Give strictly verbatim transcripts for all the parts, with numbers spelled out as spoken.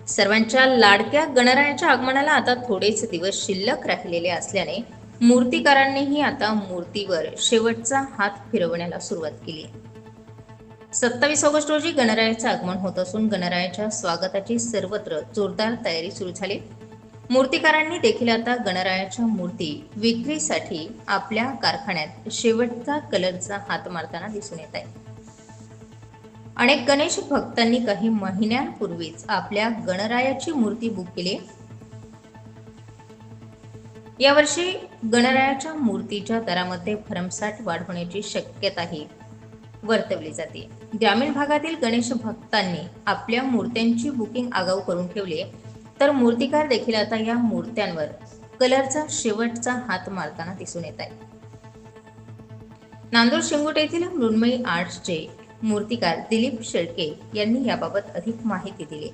सर्वांच्या लाडक्या गणरायाच्या आगमनाला आता थोडेच दिवस शिल्लक राहिलेले असल्याने मूर्तिकारांनीही आता मूर्तीवर शेवटचा हात फिरवण्याला सुरुवात केली आहे. सत्तावीस ऑगस्ट रोजी गणरायाचे आगमन होत असून गणरायाच्या स्वागताची सर्वत्र जोरदार तयारी सुरू झाली. मूर्तिकारांनी देखील आता गणरायाच्या मूर्ती विक्रीसाठी आपल्या कारखान्यात शेवटचा कलरचा हात मारताना दिसून येत आहे. अनेक गणेश भक्तांनी काही महिन्यांपूर्वीच आपल्या गणरायाची मूर्ती बुक केली. यावर्षी गणरायाच्या मूर्तीच्या दरामध्ये भरमसाठ वाढ होण्याची शक्यताही वर्तवली जाते. ग्रामीण भागातील गणेश भक्तांनी आपल्या मूर्त्यांची बुकिंग आगाऊ करून ठेवली, तर मूर्तिकार देखील आता या मूर्त्यांवर कलरचा शेवटचा हात मारताना दिसून येत आहे. नांदूर शिंगोटे येथील मृण्मयी आर्ट्सचे मूर्तिकार दिलीप शेळके यांनी याबाबत अधिक माहिती दिली.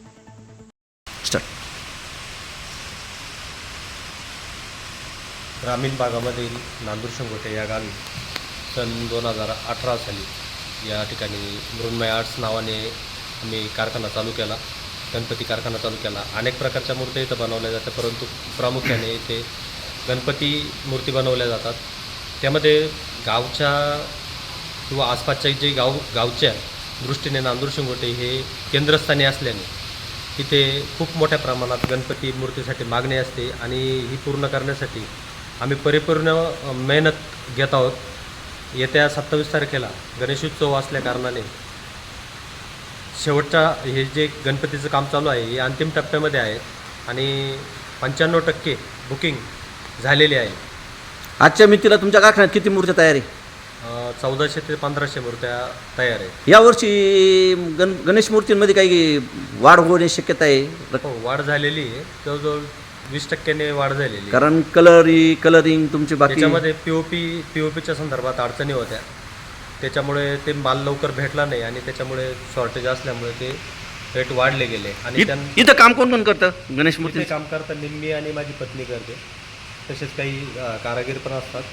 ग्रामीण भागामधील नांदूर शिंगोटे या गावी सन दोन हजार अठरा साली या ठिकाणी मृण्मयी आर्ट्स नावाने आम्ही कारखाना चालू केला, गणपती कारखाना चालू केला. अनेक प्रकारच्या मूर्त्या इथं बनवल्या जातात, परंतु प्रामुख्याने इथे गणपती मूर्ती बनवल्या जातात. त्यामध्ये गावच्या किंवा आसपासच्या जे गाव गावच्या दृष्टीने नांदूर शिंगोटे हे केंद्रस्थानी असल्याने इथे खूप मोठ्या प्रमाणात गणपती मूर्तीसाठी मागणी असते आणि ही पूर्ण करण्यासाठी आम्ही परिपूर्ण मेहनत घेत आहोत. येत्या सत्तावीस तारखेला गणेशोत्सव असल्या कारणाने शेवटच्या हे जे गणपतीचं काम चालू आहे हे अंतिम टप्प्यामध्ये आहे आणि पंच्याण्णव टक्के बुकिंग झालेली आहे. आजच्या मितीला तुमच्या कारखान्यात किती मूर्त्या तयार आहे? चौदाशे ते पंधराशे मूर्त्या तयार आहेत. यावर्षी गण गणेश मूर्तींमध्ये काही वाढ होण्याची शक्यता आहे? हो, वाढ झालेली आहे. जवळजवळ वीस टक्क्याने वाढ झालेली आहे. कारण कलरी कलरिंग तुमची बाकी त्याच्यामध्ये P O P P O पीच्या संदर्भात अडचणी होत्या, त्याच्यामुळे ते माल लवकर भेटला नाही आणि त्याच्यामुळे शॉर्टेज असल्यामुळे ते रेट वाढले गेले. आणि त्यां इथं काम कोण कोण करतं गणेश मूर्ती? इथे काम करता निम्मी आणि माझी पत्नी करते, तसेच काही अ, कारागीर पण असतात.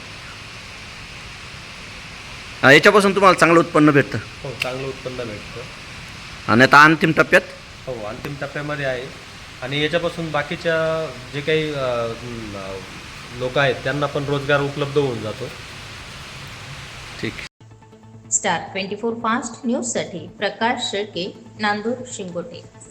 याच्यापासून तुम्हाला चांगलं उत्पन्न भेटतं? हो, चांगलं उत्पन्न भेटतं. आणि आता अंतिम टप्प्यात? हो, अंतिम टप्प्यामध्ये आहे आणि याच्यापासून बाकीच्या जे काही लोक आहेत त्यांना पण रोजगार उपलब्ध होऊन जातो. ठीक. स्टार ट्वेंटी फोर फास्ट न्यूजसाठी प्रकाश शेळके, नांदूर शिंगोटे.